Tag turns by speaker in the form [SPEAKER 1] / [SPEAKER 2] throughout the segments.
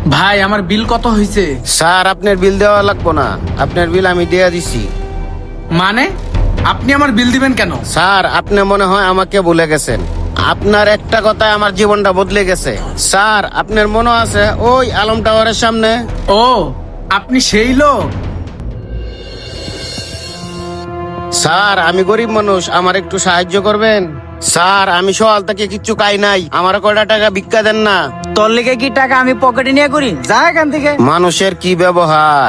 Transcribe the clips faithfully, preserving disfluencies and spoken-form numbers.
[SPEAKER 1] ভাই আমার বিল কত হয়েছে?
[SPEAKER 2] স্যার আপনার বিল দেওয়া লাগবো না, আপনার বিল আমি দিয়ে দিছি।
[SPEAKER 1] মানে আপনি আমার বিল দিবেন কেন?
[SPEAKER 2] স্যার আপনি মনে হয় আমাকে ভুলে গেছেন, আপনার একটা কথায় আমার জীবনটা বদলে গেছে। স্যার আপনার মনে আছে ওই আলম টাওয়ারের সামনে?
[SPEAKER 1] ও আপনি সেই লোক।
[SPEAKER 2] স্যার আমি গরিব মানুষ, আমার একটু সাহায্য করবেন? স্যার আমি সকাল থেকে কিচ্ছু খাই নাই, আমার কয়টা টাকা ভিক্ষা দেন না।
[SPEAKER 3] তোর লিগে কি টাকা আমি পকেটে নিয়ে করি? যা এখান থেকে।
[SPEAKER 2] মানুষের কি ব্যবহার।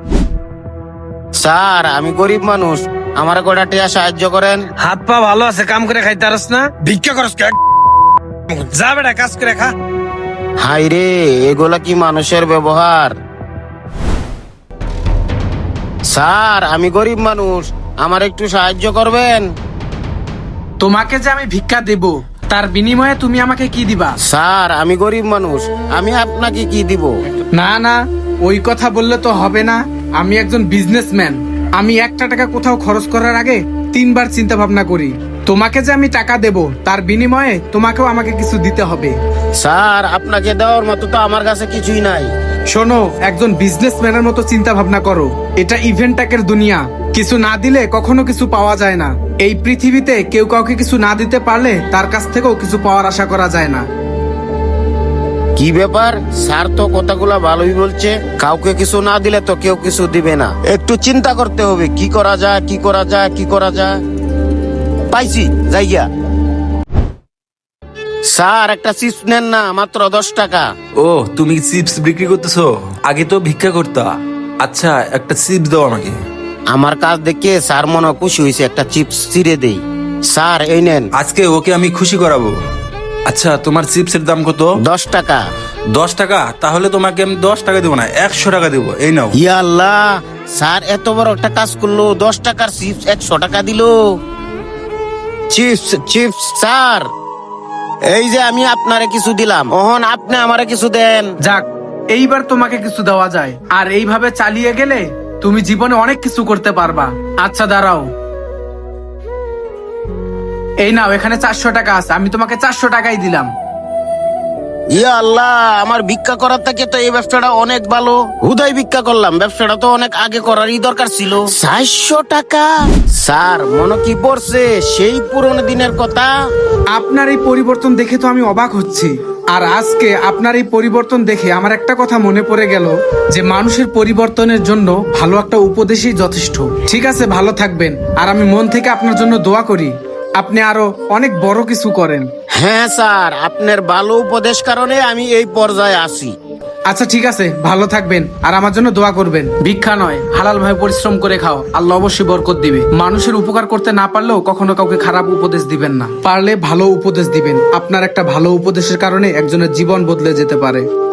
[SPEAKER 2] স্যার আমি গরিব মানুষ, আমার কয়টা টাকা সাহায্য করেন।
[SPEAKER 4] হাত পা ভালো আছে, কাম করে খাইতে পারস না, ভিক্ষা করস কে? যা বেটা কাজ করে খা।
[SPEAKER 2] হাই রে, এগুলা কি মানুষের ব্যবহার? স্যার আমি গরিব মানুষ, আমার একটু সাহায্য করবেন?
[SPEAKER 1] তোমাকে যে আমি ভিক্ষা দেব তার বিনিময়ে তুমি আমাকে কি দিবা?
[SPEAKER 2] স্যার আমি গরিব মানুষ, আমি আপনাকে কি দিব?
[SPEAKER 1] না না, ওই কথা বললে তো হবে না। আমি একজন বিজনেসম্যান, আমি একটা টাকা কোথাও খরচ করার আগে তিনবার চিন্তা ভাবনা করি। তোমাকে যে আমি টাকা দেব তার বিনিময়ে তোমাকেও আমাকে কিছু দিতে হবে।
[SPEAKER 2] স্যার আপনাকে দেওয়ার মতো তো আমার কাছে কিছুই নাই।
[SPEAKER 1] শোনো, একজন বিজনেসম্যানের মতো চিন্তা ভাবনা করো। এটা ইভেন্টটাকের দুনিয়া, কিছু না দিলে কখনো কিছু পাওয়া যায় না। এই পৃথিবীতে কেউ কাউকে কিছু না দিতে পারলে তার কাছ থেকেও কিছু পাওয়ার আশা করা যায় না।
[SPEAKER 2] কি ব্যাপার, স্যার তো কথাগুলা ভালোই বলছে, কাউকে কিছু না দিলে তো কেউ কিছু দিবে না। একটু চিন্তা করতে হবে, কি করা যায় কি করা যায় কি করা যায়। পাইছি জায়গা। স্যার একটা চিপস নেন না, মাত্র দশ টাকা।
[SPEAKER 5] ও তুমি চিপস বিক্রি করতেছো? আগে তো ভিক্ষা করতা। আচ্ছা একটা চিপস দাও আমাকে।
[SPEAKER 2] আমার কাজ দেখে স্যার মনে খুশি হয়েছে, একটা চিপস ছিঁড়ে দেই। স্যার এই নেন।
[SPEAKER 5] আজকে ওকে আমি খুশি করাবো। আচ্ছা তোমার চিপসের দাম কত?
[SPEAKER 2] দশ টাকা।
[SPEAKER 5] দশ টাকা? তাহলে তোমাকে আমি দশ টাকা দেবো না, একশো টাকা দেবো। এই নাও।
[SPEAKER 2] ইয়া আল্লাহ, স্যার এত বড় একটা কাজ করলো, দশ টাকার চিপস একশো টাকা দিল। চিপস চিপস স্যার, এই যে আমি আপনারে কিছু দিলাম, ওহন আপনি আমারে কিছু দেন।
[SPEAKER 1] যাক, এইবার তোমাকে কিছু দেওয়া যায়। আর এইভাবে চালিয়ে গেলে তুমি জীবনে অনেক কিছু করতে পারবা। আচ্ছা দাঁড়াও, এই নাও, এখানে চারশো টাকা আছে, আমি তোমাকে চারশো টাকাই দিলাম।
[SPEAKER 2] ইয়া আল্লাহ, আমার ভিক্ষা করার থেকে তো এই ব্যবসাটা অনেক ভালো। হুদাই ভিক্ষা করলাম, ব্যবসাটা তো অনেক আগে করারই দরকার ছিল। চারশো টাকা। স্যার মনে কি পড়ছে সেই পুরনো দিনের কথা?
[SPEAKER 1] আপনার এই পরিবর্তন দেখে তো আমি অবাক হচ্ছি। আর আজকে আপনার এই পরিবর্তন দেখে আমার একটা কথা মনে পড়ে গেল, যে মানুষের পরিবর্তনের জন্য ভালো একটা উপদেশই যথেষ্ট। ঠিক আছে, ভালো থাকবেন। আর আমি মন থেকে আপনার জন্য দোয়া করি আপনি আরো অনেক বড় কিছু করেন।
[SPEAKER 2] হ্যাঁ স্যার, আপনার ভালো উপদেশ কারণে আমি এই পর্যায়ে আসি।
[SPEAKER 1] আচ্ছা ঠিক আছে, ভালো থাকবেন আর আমার জন্য দোয়া করবেন। ভিক্ষা নয়, হালাল ভাবে পরিশ্রম করে খাও, আল্লাহ অবশ্যই বরকত দিবে। মানুষের উপকার করতে না পারলেও কখনো কাউকে খারাপ উপদেশ দিবেন না, পারলে ভালো উপদেশ দিবেন। আপনার একটা ভালো উপদেশের কারণে একজনের জীবন বদলে যেতে পারে।